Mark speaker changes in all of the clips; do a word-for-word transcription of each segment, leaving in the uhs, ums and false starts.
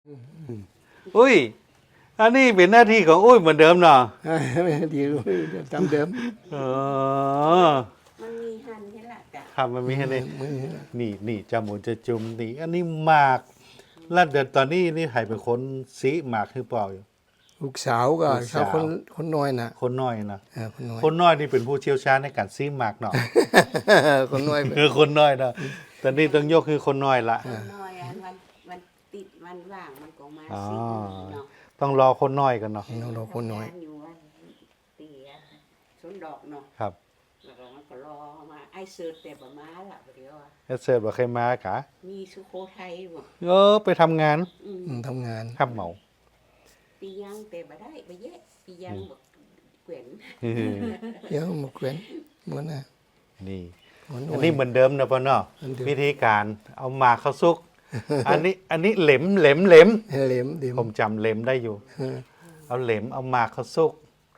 Speaker 1: อุ้ยอันนี้เป็นหน้าที่ของอุ้ยเหมือนเดิมเนาะ
Speaker 2: ไม่ดีตามเดิม
Speaker 1: อ๋อ
Speaker 3: มันมีหันนี่แหละจ้ะ
Speaker 1: ครับมันมีให้นี่
Speaker 2: มือ
Speaker 1: นี่นี่จาหมูจะจุ่มนี่อันนี้หมากแล้วเดี๋ยวตอนนี้นี่ใครเป็นคนสีหมากคือเปล่าอยู่
Speaker 2: ลูกสาวก็
Speaker 1: ลูกสาว
Speaker 2: เขาคนคนน้อยนะ
Speaker 1: คนน้อยนะ
Speaker 2: เออคนน้อย
Speaker 1: คนน้อยนี่เป็นผู้เชี่ยวชาญในการซีหมากเนาะ
Speaker 2: คนน้อย
Speaker 1: คือคนน้อยนะตอนนี้ต้องยกคือคนน้อยละ
Speaker 3: น้อยอันวันวันติดวันว่างมันก็มา
Speaker 1: อ๋อ
Speaker 3: สิเนาะ
Speaker 1: ต้องรอคนน้อยกันเนาะ
Speaker 2: น้องเราคนน้อย
Speaker 3: ทำงาอยู่วันตีอะสวนดอกเนาะ
Speaker 1: ครับ
Speaker 3: แล้วก็มันก็รอมาไอ้เสิร์ชแต่ประมาละเดี๋ยวอะ
Speaker 1: เอสเซิร์ตบอกใครมากะ
Speaker 3: มีสุโขทัยบ่
Speaker 1: เออไปทำงาน
Speaker 3: อืม
Speaker 2: อืมทำงาน
Speaker 1: ขับเหมา
Speaker 3: ปียังแต่บ่ได้ไปเยอะปียังบ่เกวน
Speaker 2: เดี๋ยวมาเกวียนเหมือนน่ะ
Speaker 1: นี่
Speaker 2: คน
Speaker 1: อันนี้เหมือนเดิมนะพ่อเนาะ
Speaker 2: เหมือนเดิม
Speaker 1: วิธีการเอาหมากเข้าซุก อันนี้อันนี้เหล็มเหล็มเหล็ม
Speaker 2: เหลมเดิม
Speaker 1: ผมจำเหล็มได้อยู่
Speaker 2: เออ
Speaker 1: เอาเหล็มเอาหมากเข้าซุก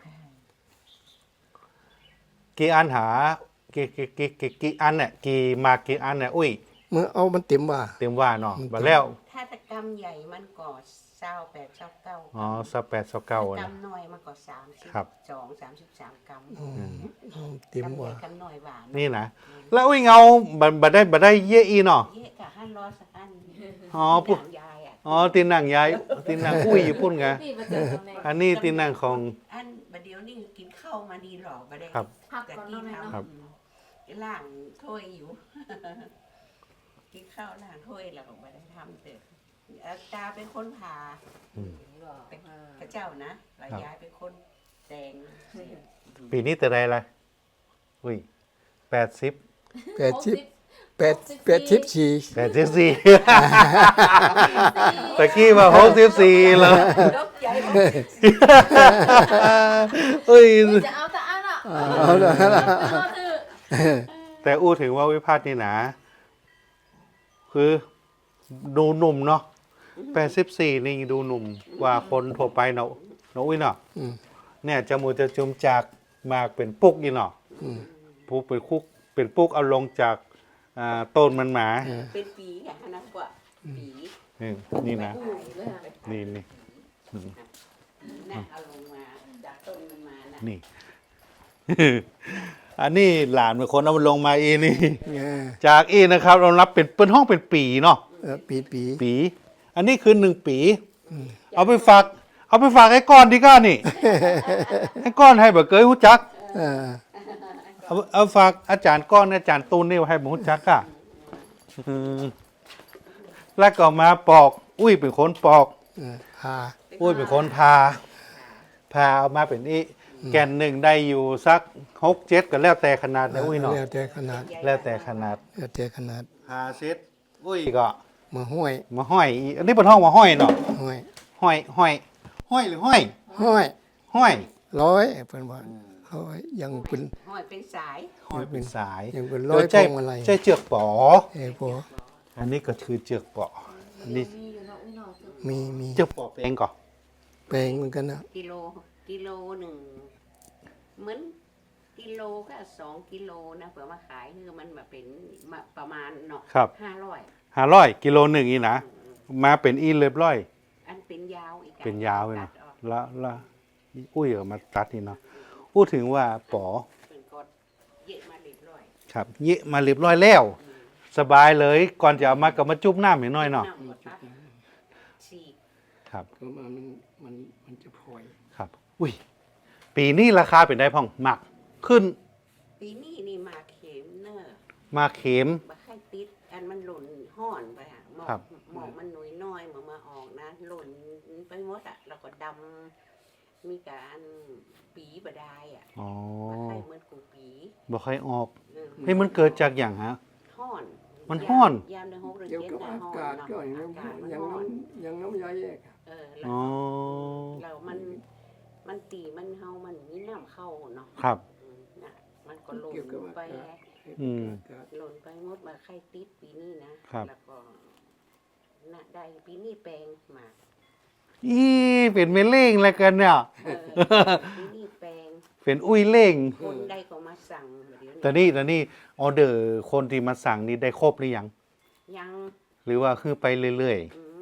Speaker 1: กี่อันหากี่กี่กี่กี่กี่อันเนี่ยกี่หมากกี่อันเนี่ยอุ้ย
Speaker 2: เมื่อเอามันเต็มว่า
Speaker 1: เต็มว่าเนาะบัดแล้ว
Speaker 3: ถ้าตะกรรมใหญ่มันก็เศร้าแปดเศร้าเก้า
Speaker 1: อ๋อสักแปดสักเก้า
Speaker 3: ตะกรร
Speaker 1: นะ
Speaker 3: มน้อยมันก็สามสิบ
Speaker 1: ครับ
Speaker 3: สองสามสิบสามกรัม
Speaker 2: เอาเต็ม
Speaker 3: กำใหญ่
Speaker 2: ว่า
Speaker 3: กำน้อยหวาน
Speaker 1: นี่นะแล้วอุ้ยเงาบัดบัดได้บัดได้เยอะอีเนาะ
Speaker 3: เยอะกะห้าร้อยสักอัน
Speaker 1: อ๋อปุ๊บ
Speaker 3: หนังยายอ่ะ
Speaker 1: อ๋อตีนหนังยายตีนหนังอุ้ยอยู่พุ่นไง
Speaker 4: พี่มาเจอตรงไหน
Speaker 1: อันนี้ตีนหนังของ
Speaker 3: อันบัดเดี๋ยวนี่กินข้าวมาดีหรอบัดได้
Speaker 1: ครับ
Speaker 4: พัก
Speaker 3: กะ
Speaker 4: ก่อน
Speaker 3: กี้
Speaker 4: เนาะแม่
Speaker 3: ท
Speaker 4: เนาะ
Speaker 1: ครับ
Speaker 3: ำล่างถ้วยอยู่ กินข้าวล่างถ้วยแล้วก็บัดได้ทำเสร็จอาตาเป็นคนผ่า
Speaker 1: อืม
Speaker 3: เป็นพระเจ้านะแล้วยายเป็นคนแต่ง
Speaker 1: ปีนี้แต่ใดละอุ้ยแปดสิบ
Speaker 2: แปดสิบแปดแปดสิบสี่
Speaker 1: แปดสิบสี่ ตะกี้มาหกสิบสี่แล้ว
Speaker 3: ลบใจ
Speaker 1: เอ้ย
Speaker 4: จะเอาแต่อันอ่ะ
Speaker 2: เอาละ
Speaker 4: เอาเถอะ
Speaker 1: แต่อู้ถึงว่าวิพาทนี่นะ คือดูหนุ่มเนาะแปดสิบสี่นี่ดูหนุ่มกว่าคนทั่วไปเนาะเนาะอุ้ยเนาะ
Speaker 2: อืม
Speaker 1: เนี่ยจมูกจะจุมจากมากเป็นปุกอีเนาะ
Speaker 2: อืม
Speaker 1: ปุกเป็นคุกเป็นปุกเอาลงจากอ่าต้นมันหมา
Speaker 2: เออ
Speaker 3: เป็นปีอะนะกว่าปี
Speaker 1: นี่นี่นะ
Speaker 4: อู้เลยอะ
Speaker 1: นี่นี่
Speaker 3: น่ะเอาลงมาจากต้นมันมาน่ะ
Speaker 1: นี่ อันนี้หลานเป็นคนเอามันลงมาอีนี่
Speaker 2: เออ
Speaker 1: จากอีนะครับ เรารับเป็นเป็นห้องเป็นปีเนาะ
Speaker 2: เออปีปี
Speaker 1: ปี อันนี้คือหนึ่งปี เอาไปฝาก เอาไปฝากไอ้ก้อนดีก้านี่ ไอ้ก้อนให้แบบเกยหูจัก
Speaker 2: เออ
Speaker 1: เอาเอาฝากอาจารย์ก้อนอาจารย์ตูนนี่ให้ผมหูจักอ่ะอืมแล้วก็มาปอก อุ้ยเป็นคนปอก
Speaker 2: เออพา
Speaker 1: อุ้ยเป็นคนพา พาเอามาเป็นอีแก่นหนึ่งได้อยู่สักหกเจ็ดก็แล้วแต่ขนาดนะอุ้ยเนาะ
Speaker 2: แล้วแต่ขนาด
Speaker 1: แล้วแต่ขนาด
Speaker 2: แล้วแต่ขนาด
Speaker 1: พาเซ็ตอุ้ยก็
Speaker 2: มาห้อย
Speaker 1: มาห้อยอีอันนี้เป็นห้องมาห้อยเนาะ
Speaker 2: ห้อย
Speaker 1: ห้อยห้อยห้อยหรือห้อย
Speaker 2: ห้อย
Speaker 1: ห้อย
Speaker 2: ร้อยเพิ่นว่าเขายังเป็น
Speaker 3: ห้อยเป็นสาย
Speaker 1: ห้อยเป็นสาย
Speaker 2: ยังเป็นร้อย
Speaker 1: โดใจ
Speaker 2: พวงมาลัย
Speaker 1: ใจเจือกป๋อ
Speaker 2: เอ้พอ
Speaker 1: อันนี้ก็คือเจือกป๋ออันนี้
Speaker 4: มีอยู่เนาะอุ้ยเนาะ
Speaker 2: มีมี
Speaker 1: เจือกป๋อเองก่อน
Speaker 2: แปลงเหมือนกันนะ
Speaker 3: กิโลกิโลหนึ่งเหมือนกิโลก็สองกิโลนะเผื่อมาขายคือมันมาเป็นมาประมาณเนาะ
Speaker 1: ครับ
Speaker 3: ห้าร้อย
Speaker 1: ห้าร้อยกิโลหนึ่งอีนะมาเป็นอีเรียบร้อย
Speaker 3: อันเป็นยาวอีกอะ
Speaker 1: เป็นยาวเลย
Speaker 3: ตั
Speaker 1: นะ
Speaker 3: ดออก
Speaker 1: แล้วแล้วอุ้ยเอามาตัดนี่เนาะพูดถึงว่าป๋อ
Speaker 3: เป็นกดเยอะมาเรียบร้อย
Speaker 1: ครับเยะมาเรียบร้อยแล้ว สบายเลยก่อนจะเอามาก็มาจุ๊บน้ำหน่อยเนาะ
Speaker 3: ำหมดละสี่
Speaker 1: ครับ
Speaker 2: ก็มันมันมันจะพลอย
Speaker 1: ครับ อุ้ยปีนี้ราคาเป็นได้พ่องหมักขึ้น
Speaker 3: ปีนี้นี่มาเข็มเนอะ
Speaker 1: มาเข็ม
Speaker 3: มาไข่ติดอันมันหล่นห่อนไปอะหมอ
Speaker 1: ครั
Speaker 3: ก
Speaker 1: บ
Speaker 3: หมอกมันหนุ่ยน้อยมามาออกนะหล่นไปหมดอะแล้วก็ดำมีการปีบดายอะ
Speaker 1: อ๋อ
Speaker 3: มาไข่เหมือนกูปี
Speaker 1: บ่ค่อยออก
Speaker 3: เออ
Speaker 1: เฮ้ยมันเกิดจากอย่างฮะ
Speaker 3: ห่อน
Speaker 1: มันฮ้อน
Speaker 3: ยามในหกเดือน
Speaker 2: เกี่ยว
Speaker 3: เจ็ด
Speaker 2: กับ
Speaker 3: นะ
Speaker 2: อา
Speaker 3: ห่อน
Speaker 2: กาศ
Speaker 3: เนาะ
Speaker 2: ก็อย่างนั้น
Speaker 3: อากาศมัน
Speaker 2: อย่าง
Speaker 3: ห่อ
Speaker 2: นั้น นอย่างน้ำยาแยก
Speaker 3: เออแล้ว
Speaker 1: อ๋อ
Speaker 3: แล้วมันมันตีมันเฮามันมีน้ำเข้าเนาะ
Speaker 1: ครับ
Speaker 3: อืมน่ะมันก็หล่
Speaker 2: เกี่ยวกับ
Speaker 3: นไป
Speaker 2: อากาศ
Speaker 1: อืม
Speaker 2: อากาศ
Speaker 3: หล่นไปหมดมาไข่ติดปีนี้นะครับ แล้วก็น่ะได้ปีนี้แปลงหมาก
Speaker 1: อีเป็นเมเล่งแล้วกันเนี่ย
Speaker 3: เออปีนี้แปลง
Speaker 1: เป็นอุ้ยเล่ง
Speaker 3: คนใดก็มาสั่งเดี๋ยว
Speaker 1: แต่นี่แต่นี่ออเดอร์คนที่มาสั่งนี่ได้ครบหรือยัง
Speaker 3: ยัง
Speaker 1: หรือว่าคือไปเรื่อย
Speaker 3: อืมยัง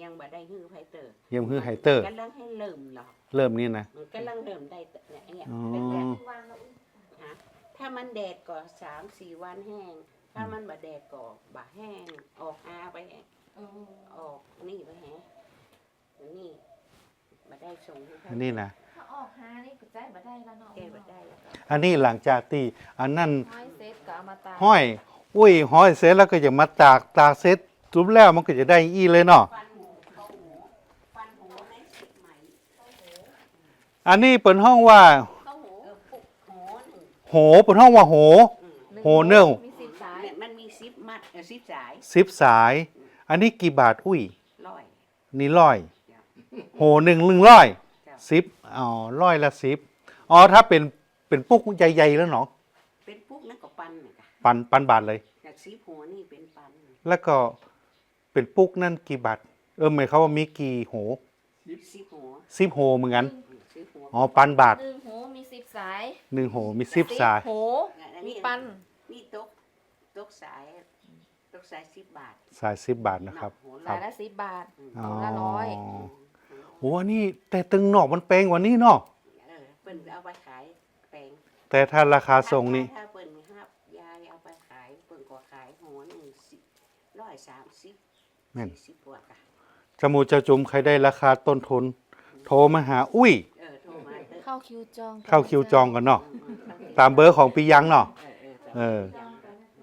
Speaker 3: ยังบ่ได้ฮื้อไผเตอร์
Speaker 1: เยี่ยมคือไฮเตอร์
Speaker 3: กำลังให้เริ่มหรอก
Speaker 1: เริ่มนี่นะ
Speaker 3: มันกำลังเริ่มได้แต่เนี่ยเนี่ย
Speaker 1: อ๋อ
Speaker 3: เป็นแบบ
Speaker 4: วางแล้วอุ้ย
Speaker 3: ฮะถ้ามันแดดก็สามสี่วันแห้ง ถ้ามันบ่แดดก็บ่แห้ง ออกอาไปแห้ง
Speaker 4: เออ
Speaker 3: ออกนี่ไปแห้งนี่บ่ได้ส่งให้ไผ
Speaker 1: อันนี้นะ
Speaker 4: ถ้าออกหานี่ก็ใจบ่ได้แล้วเนาะ
Speaker 3: แก้บ่ได้แล้วก็
Speaker 1: อันนี้หลังจากที่อันนั้น
Speaker 4: ห้อยเซตก็เอามาตาก
Speaker 1: ห้อย อุ้ยห้อยเสร็จแล้วก็จะมาตากตากเสร็จทุบแล้วมันก็จะได้อีเลยเนาะ
Speaker 3: ฟันหูเข้าหูฟันหูในสิบไหม
Speaker 1: อันนี้เปิดห้องว่า
Speaker 3: เข้าหูเออปุกหูหนึ่ง
Speaker 1: โหเปิดห้องว่าโห
Speaker 3: อืม
Speaker 1: โหเนิ่ง
Speaker 4: มีสิบสาย
Speaker 3: เนี่ยมันมีซิปมัดเออซิปสาย
Speaker 1: สิบสาย อันนี้กี่บาทอุ้ย
Speaker 3: ร้อย
Speaker 1: นี่ร้อยโหหนึ่งหนึ่งร้อย
Speaker 3: จ้ะ
Speaker 1: สิบอ๋อร้อยละสิบอ๋อถ้าเป็นเป็นปุ๊กใหญ่ๆแล้วเนาะ
Speaker 3: เป็นปุกนั่นก็ปันน่ะจ้ะ
Speaker 1: ปันปันบาทเลย
Speaker 3: จากซิปหัวนี่เป็นปัน
Speaker 1: แล้วก็เป็นปุ๊กนั่นกี่บาทเออหมายเขามว่ามีกี่โห
Speaker 3: ซิปหัว
Speaker 1: สิบโหเหมือนกัน
Speaker 3: อืมซิปหัว
Speaker 1: อ๋อปันบาท
Speaker 4: หนึ่งหูมีสิบสาย
Speaker 1: หนึ่งโหมีสิบสาย
Speaker 4: หู
Speaker 3: อัน
Speaker 4: มี
Speaker 3: นี้
Speaker 4: ปัน
Speaker 3: นี่ตกตกสายตกสายสิบบาท
Speaker 1: สายสิบบาทนะครับ
Speaker 3: หัว
Speaker 1: ครั
Speaker 4: สา
Speaker 1: บ
Speaker 4: ยละสิบบาท
Speaker 1: อ๋อ
Speaker 4: หูละร้อย
Speaker 1: โอ้อันนี่แต่ตึงหนอกมันแพงกว่านี้เนาะ
Speaker 3: เออเปิ้นเอาไปขายแปลง
Speaker 1: แต่ถ้าราคาส่งนี่
Speaker 3: ถ้าเปิ้นห้าบยายเอาไปขายเปิ้นก็ขายหัวหนึ่งสิบร้อยสามสิบ
Speaker 1: แม่น
Speaker 3: สี่สิบกว่าค่ะ
Speaker 1: จมูกจะจุ่มใครได้ราคาต้นทุน โทรมาหาอุ้ย
Speaker 3: เออโทรมาเด้อ
Speaker 4: เข้าคิวจอง
Speaker 1: เข้าคิวจองกันเนาะ
Speaker 3: อืมอืม
Speaker 1: ตามเบอร์ของปียังเนาะ
Speaker 3: เออเออ
Speaker 1: เออ
Speaker 4: จองกันนะคะ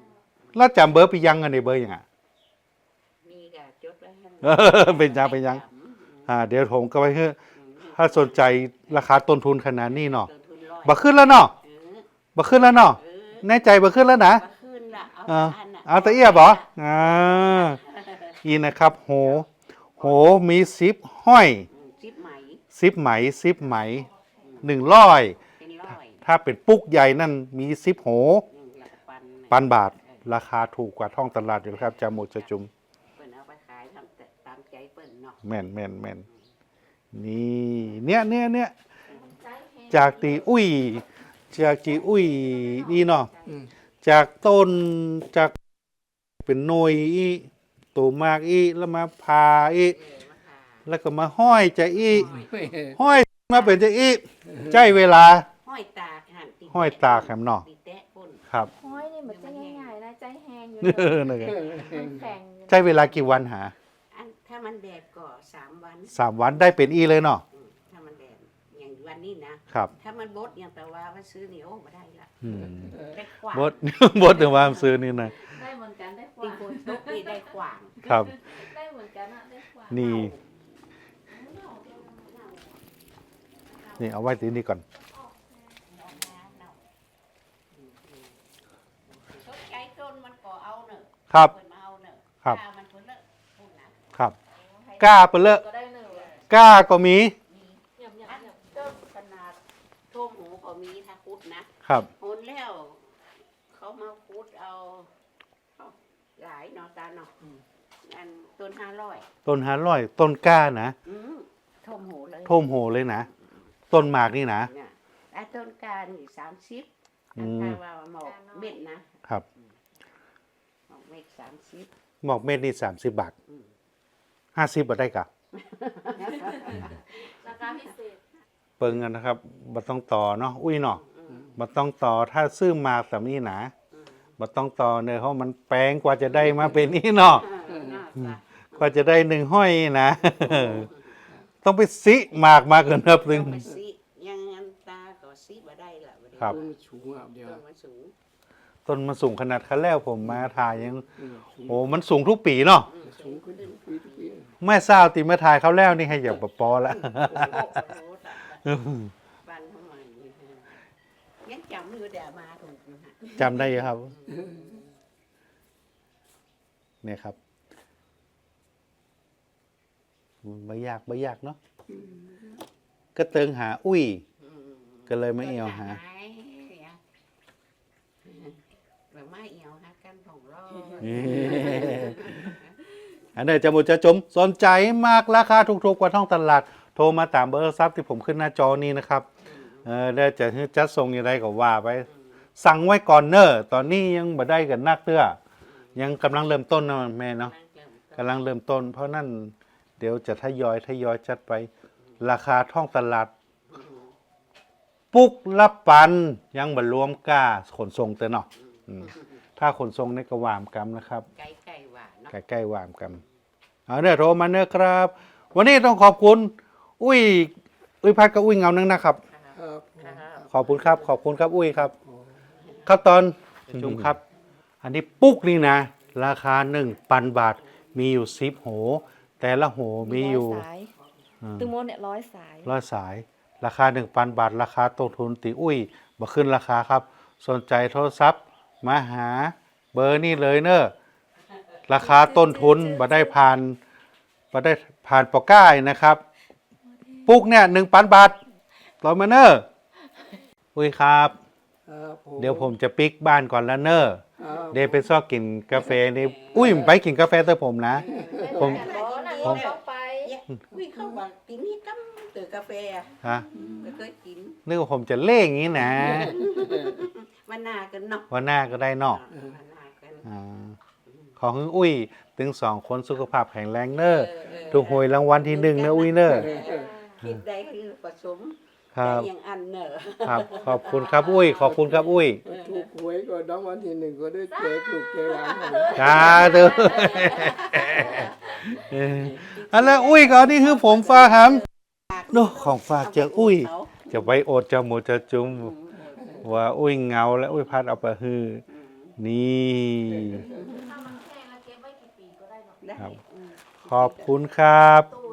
Speaker 1: แล้วจำเบอร์ปียังกันในเบอร์ยังอ่ะ
Speaker 3: มีกะจดไว้ให้
Speaker 1: เออเป็นยังเป็นยัง อ่า เดี๋ยวผมก็ไปเฮ้ถ้าสนใจราคาต้นทุนขนาดนี้เนาะ
Speaker 3: ต้นทุนร้อย
Speaker 1: บ่ขึ้นแล้วเนาะ
Speaker 3: เออ
Speaker 1: บ่ขึ้นแล้วเนาะ
Speaker 3: เออ
Speaker 1: แน่ใจบ่ขึ้นแล้วนะ
Speaker 3: มาขึ้นละเอา
Speaker 1: อ่า
Speaker 3: อันน่ะ
Speaker 1: เอาตะเอียบเหรออ่าอีนะครับ โห โหมีซิปห้อย
Speaker 3: อืมจิบไหม
Speaker 1: ซิปไหมซิปไหมหนึ่งร้อย
Speaker 3: เป็นร้อย
Speaker 1: ถ้าเป็นปุ๊กใหญ่นั่นมีซิปโห
Speaker 3: อืมแล้วก็ปัน
Speaker 1: ปันบาท ราคาถูกกว่าท้องตลาดอยู่ครับจามูกจะจุม
Speaker 3: เปิ้นเอาไปขายทำแต่ตามใจเปิ้นเนาะ
Speaker 1: แม่นแม่นแม่นนี่เนี่ยเนี่ยเนี่ย
Speaker 4: ใจแห้ง
Speaker 1: จากตีอุ้ย จากจีอุ้ยนี่เนาะ
Speaker 2: อืม
Speaker 1: จากต้นจากเป็นหน่วยอีตัวมากอีแล้วมาพาอี
Speaker 3: เออมาขาย
Speaker 1: แล้วก็มาห้อยจะอีห้อยมาเป็นจะอีใจเวลา
Speaker 3: ห้อยตากหันติ
Speaker 1: ห้อยตากแหมเนาะ
Speaker 3: ติดแตะก้น
Speaker 1: ครับ
Speaker 4: ห้อยนี่เหมือนจะง่ายๆนะใจแห้งอยู่
Speaker 1: เออนั่นไง
Speaker 4: มันแข็งอยู่
Speaker 1: ใจเวลากี่วันหา
Speaker 3: อันถ้ามันแดดก็สามวัน
Speaker 1: สามวันได้เป็นอีเลยเนาะ
Speaker 3: อืมถ้ามันแดดอย่างวันนี้นะ
Speaker 1: ครับ
Speaker 3: ถ้ามันบดอย่างแต่ว่าว่าซื้อเหนียวมาได้ละ
Speaker 1: อืม
Speaker 3: ได้ขวาง
Speaker 1: บด บดถึงว่าซื้อนี่นะ
Speaker 4: ได้เหมือนกันได้ก
Speaker 3: ตี
Speaker 4: ว่า
Speaker 3: โคนตกนี่ได้ขวาง
Speaker 1: ครับ
Speaker 4: ได้เหมือนกันอะได้กว่า
Speaker 1: นี่ นี่เอาไว้ที่นี่ก่อน
Speaker 3: ชดใจจนมันก็เอาเนอะ
Speaker 1: ครับ
Speaker 3: เปิดมาเอาเนอะ
Speaker 1: ครับ
Speaker 3: ถ้ามันคนละพูดนะครับ
Speaker 1: กล้าเปนเลอะ
Speaker 4: ก็ได้หนึ่ง
Speaker 1: กล้าก็มี
Speaker 4: หยับหยับ
Speaker 3: อัน
Speaker 4: หยับ
Speaker 3: เจ้าขนาดท่วมหูก็มีถ้าคุดนะครับ หุนแล้ว เขามาคุดเอาเอาหลายเนาะตาเนาะอันต้นห้าร้อย
Speaker 1: ต้นหาร้อยต้นกล้านะ
Speaker 3: อืมท่วมหูเลย
Speaker 1: ท่วมโหเลยนะ ต้นหมากนี่นะ
Speaker 3: เนี่ยไอ้ต้นการอีกสามสิบ
Speaker 1: อื
Speaker 3: อัน
Speaker 1: ม
Speaker 3: ถ้าว่าหมอกเม็ดนะครับ หมอกเม็ดสามสิบ
Speaker 1: หมอกเม็ดนี่สามสิบบาท
Speaker 3: อืม
Speaker 1: ห้าสิบบาทได้กะ
Speaker 4: ราคาพิเศษ
Speaker 1: เปิงกันนะครับบัต้องต่อเนาะ อุ้ยเนาะ
Speaker 3: อืม
Speaker 1: บัต้องต่อถ้าซื้อหมากแบบนี้นะ
Speaker 3: อืม
Speaker 1: บัต้องต่อเนยเพราะมันแปลงกว่าจะได้มาเป็นนี่เนาะ
Speaker 3: อ่าน่าจะ
Speaker 1: กว่าจะได้หนึ่งห้อยนะ ต้องไปซิหมากมาเกินนับหนึ่ง
Speaker 3: ต้องไปซิยังงั้นตาก็ซิบ่ได้ละบ่ได้
Speaker 1: ครับ
Speaker 2: ต้นสูงอ่ะเดียว
Speaker 3: ต้นมันสูง
Speaker 1: ต้นมันสูงขนาดคันแล้วผมมาถ่ายยัง
Speaker 2: อืมสูง
Speaker 1: โอ้มันสูงทุกปีเนาะ
Speaker 3: อืม
Speaker 2: สูงขึ้นทุกปีทุกปี
Speaker 1: แม่สาวตีมาถ่ายเขาแล้วนี่ให้อย่าบปอละ
Speaker 3: โอ้โหโอ้โหบ้านทำไมยังจำอยู่เดี๋ยวมาถูกอยู่ฮะ
Speaker 1: จำได้อยู่ครับ เนี่ยครับไม่ยากไม่ยากเนาะก็เติงหาอุ้ย
Speaker 3: อืม
Speaker 1: ก็เลยไม่เอวหา
Speaker 3: แบบไม่เอวหากันผงรอ
Speaker 1: อันนี้จะมุจะจมสนใจมากราคาถูกๆกว่าท้องตลาด โทรมาตามเบอร์ซับที่ผมขึ้นหน้าจอนี้นะครับ เออได้จะจัดส่งยังไงก็ว่าไป สั่งไว้ก่อนเนอะตอนนี้ยังบ่ได้กันนักเตื้อยังกำลังเริ่มต้นนะแม่เนาะกำลังเริ่มต้น เพราะนั่นเดี๋ยวจะทยอยทยอยจัดไป ราคาท้องตลาด ปุกละปันยังบรรวมก้าขนส่งเตอเนาะอืมถ้าขนส่งในกระวามกำนะครับ
Speaker 3: ไก่ไก่หวานเนาะ
Speaker 1: ใกล้ๆวามกำเอาเนี่ยโทรมาเนอะครับ วันนี้ต้องขอบคุณ อุ้ย อุ้ยพัดกับอุ้ยเงานึงนะครับ
Speaker 2: ครับ
Speaker 1: ขอบคุณครับ ขอบคุณครับอุ้ยครับ ครับตอนชุมครับ อันนี้ปุ๊กนี่นะ ราคาหนึ่งพันบาท มีอยู่สิบโห แต่ละโหมีอยู่
Speaker 4: ร้สายตึงโมเนี่ยร้อยสาย
Speaker 1: ร้อยสาย ราคาหนึ่งพันบาท ราคาต้นทุนตีอุ้ยบ่ขึ้นราคาครับ สนใจโทรศัพท์ มาหาเบอร์นี่เลยเนอะราคาต้นทุนบ่ได้ผ่านบ่ได้ผ่านปอก้ายนะครับ ปุ๊กเนี่ยหนึ่งพันบาทต่อมาเนอะอุ้ยครับ
Speaker 2: ครับ
Speaker 1: เดี๋ยวผมจะปิกบ้านก่อนแล้วเนอะ
Speaker 2: ครับ
Speaker 1: เดี๋ยวไปซอกกินกาแฟนี่อุ้ยไปกินกาแฟเตอผมนะ ผม
Speaker 4: ร้อนนะ
Speaker 1: ผม
Speaker 4: ต้องไป
Speaker 3: เนี่ยวิ่งเข้ามากินนี่กัำตื่นกาแฟอะ
Speaker 1: ฮะ
Speaker 3: ไม่เคยกิน
Speaker 1: นึกว่าผมจะเล่งอย่างนี้นะ
Speaker 3: มันนากันเนาะ
Speaker 1: วันหน้าก็ได้เนอก
Speaker 3: มันนากัน
Speaker 1: อ่าขอให้อุ้ยถึงสองคนสุขภาพแข็งแรงเนอะ
Speaker 3: เออเออ
Speaker 1: ถูกหวยรางวัลที่หนึ่งนะอุ้ยเนอะ
Speaker 3: คิดได้คือผสม
Speaker 1: ครับ
Speaker 3: แต่อย่างอันเนอะ
Speaker 1: ครับ ขอบคุณครับอุ้ย ขอบคุณครับอุ้ย
Speaker 2: ถูกหวยก็รางวัลที่หนึ่งก็ได้แจกลูกแจกหลานให้
Speaker 1: จ้าเด้อเอออันแล้วอุ้ยก็นี่คือผมฝากครับเนอะของฝากจากอุ้ย
Speaker 3: เขา
Speaker 1: จะไว้โอดจะหมูจะจุ้มว่าอุ้ยเงาและอุ้ยพัดเอาไปฮือนี่
Speaker 4: ถ้ามันแห้งแล้วเก็บไว้กี่ปีก็ได้เนาะ
Speaker 3: ได้
Speaker 1: ครับ
Speaker 3: อืม
Speaker 1: ขอบคุณครับ
Speaker 4: ตู้